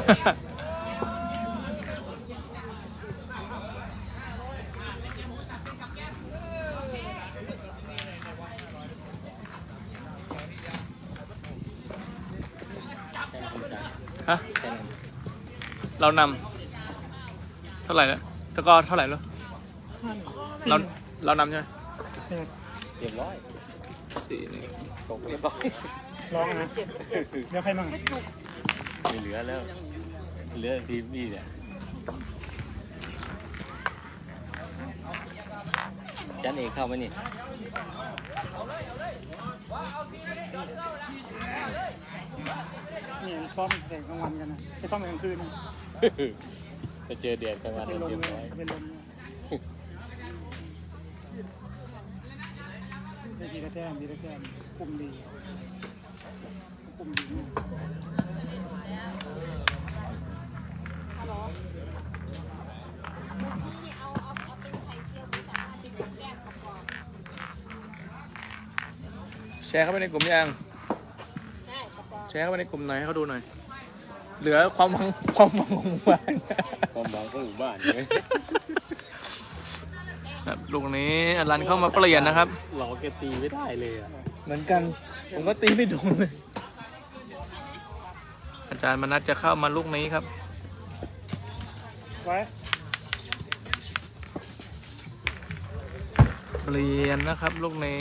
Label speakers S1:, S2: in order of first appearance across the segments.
S1: ฮะเรานำเท่าไหร่แล้วสกอร์เท่าไหร่แล้วเรานำใช่ไหม
S2: เรียบร้อย
S1: 4-1
S2: ตกเรียบร้อย
S3: ร้องนะเดี๋ยวใครมั่ง
S2: ไม่เหลือแล้วเหลือทีมนี่เนี่ยจันเอกเข้ามานี่
S3: นี่ซ้อมแต่กลางวันกันนะไปซ้อมกลางคืน
S2: ไปเจอเดือดกลางวันเรียบร้อย
S3: เป็นลมได้ทีละแต้มคุมดี
S1: แชร์เข้าไปในกลุ่มยังแชร์เข้าไปในกลุ่มหน่อยให้เขาดูหน่อยเหลือความหวังของหมู่บ้าน
S2: ความหวังของหมู่บ้านเลย
S1: ครับลูกนี้อลันเข้ามาเปลี่ยนนะครับ
S2: เราแกตีไม่ได้เลยอ่ะ
S1: เหมือนกันผมก็ตีไม่โดนเลยอาจารย์มนัสจะเข้ามาลูกนี้ครับ
S3: ไว้
S1: เปลี่ยนนะครับลูกนี้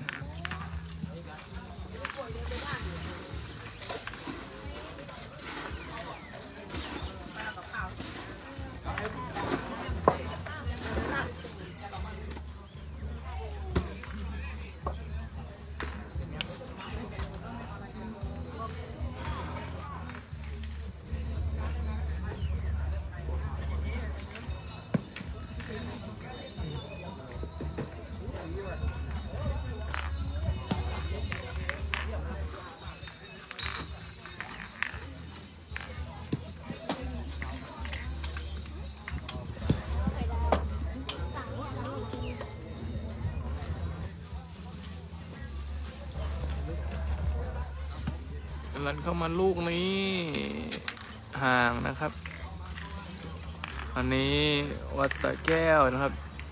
S1: ลันเข้ามาลูกนี้ห่างนะครับอันนี้วัดสระแก้วนะครับ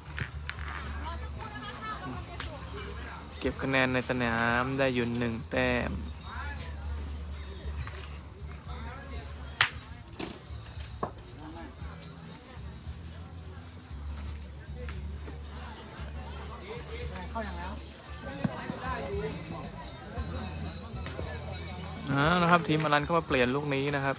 S1: เก็บคะแนนในสนามได้อยู่1 แต้มนะครับทีมอลันเข้ามาเปลี่ยนลูกนี้นะครับ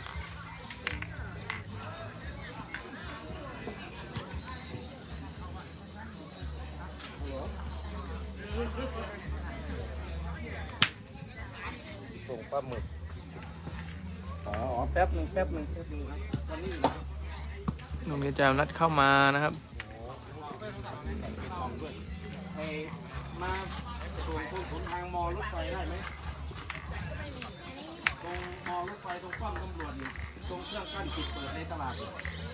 S2: ส่งปลาหมึก
S3: แป๊บหนึ่งครับวันนี้
S1: ลูกนี้จะนัดเข้ามานะครับ
S3: มาส่วนทางมอรถไฟได้ไหมตรงมอรถไฟตรงป้อมตำรวจอยู่ตรงเครื่องกั้นปิดเปิดในตลาด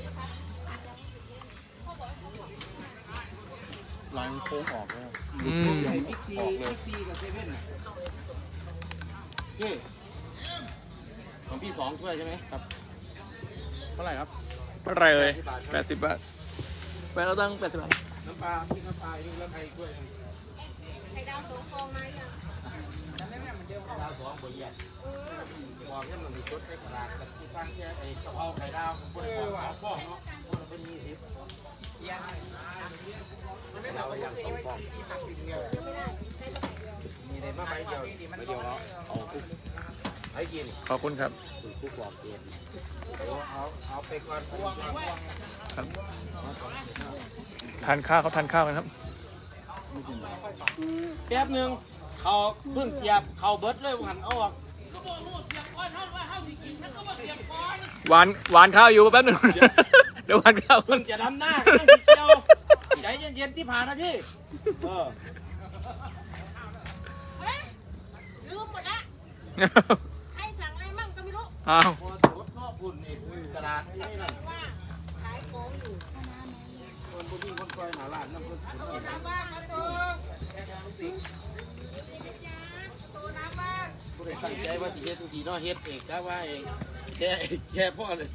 S2: หลังโค้งออกแล้ว
S3: บิ๊กซีกับเซเว่นพี่ของพี่2 ถ้วยใช่ไหมครับเท่าไหร่ครับ
S1: เท่าไหร่เลย80 บาทไปเราตั้ง80 บาท
S3: น้ำปลาพี่น้ำปลาอีกแล้วไข่ถ้วย
S4: ไข่ดาว2 ฟองไหมอ่ะ
S3: จำได้ไหมมันเดียวไข่ดาว2 บ่แย่บอกให้มันมีชุดในตลาดกับที่ตั้งแค่ไอ้กะเพราไข่ดาวคนละฟองเนาะคนละเป็น20เราอย่าง2 ฟองมีในมาใบเดียวเนาะเอาคุกให้กิน
S1: ขอบคุณครับ
S2: คุกบอกเอง
S3: เอาไปก่อน
S1: ครับทานข้าวเขาทานข้าวกันครับ
S3: แป๊บนึงเขาเพิ่งเทียบเขาเบิร์ดเลยหันออก
S1: หวานข้าวอยู่แป๊บนึงเดี๋ยวหวานข้าว
S3: เพิ่งจะดำหน้าใจเย็นๆที่ผ่านนะที่
S4: ลืมหมดละใครสั่งอะไรมั่งก็ไม่รู้
S1: อ้าว
S3: คุณนี่ตลาดนี่นั่น
S4: ว่าขายของอยู่
S3: คนคอยหาร้านน้ำพุ
S4: คนทำบ้านมาตัว
S3: ผู้ใดตั้งใจว่าสิเฮ็ดทุกทีเนาะเฮ็ดเองกะว่าเองแค่พ่อเลย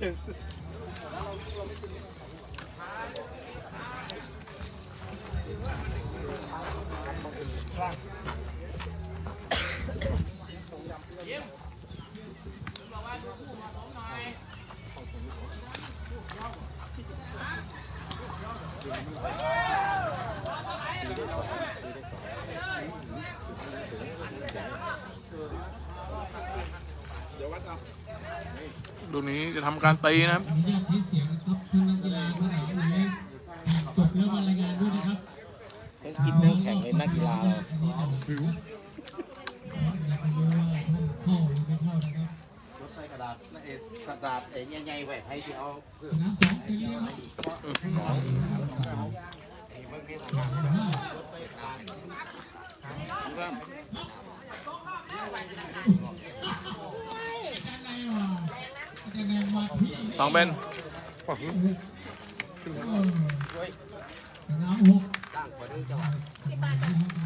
S1: ดูนี้จะทำการตีนะครับ
S5: อนุญาตใช้เสียงนะครับท่านนักกีฬาท่านไหนไหนจบแล้วมารายงานด้วยนะครับ
S2: ต้องกินเนื้อแข็งเลยนักกีฬาเรา
S5: อันนี้เราหิวอยากจะรู้ว่าท่านเข้าหรือไม่เข้านะครับ
S3: รถใส่กระดาษกระดาษใหญ่ๆไว้ให้ที่เอา
S5: สนามสองฟรีนะครับ
S1: สองเป็น
S5: สนามหก
S3: ตั้งไว้ด้วยจังหวะ
S4: 10 บาทจ้ะ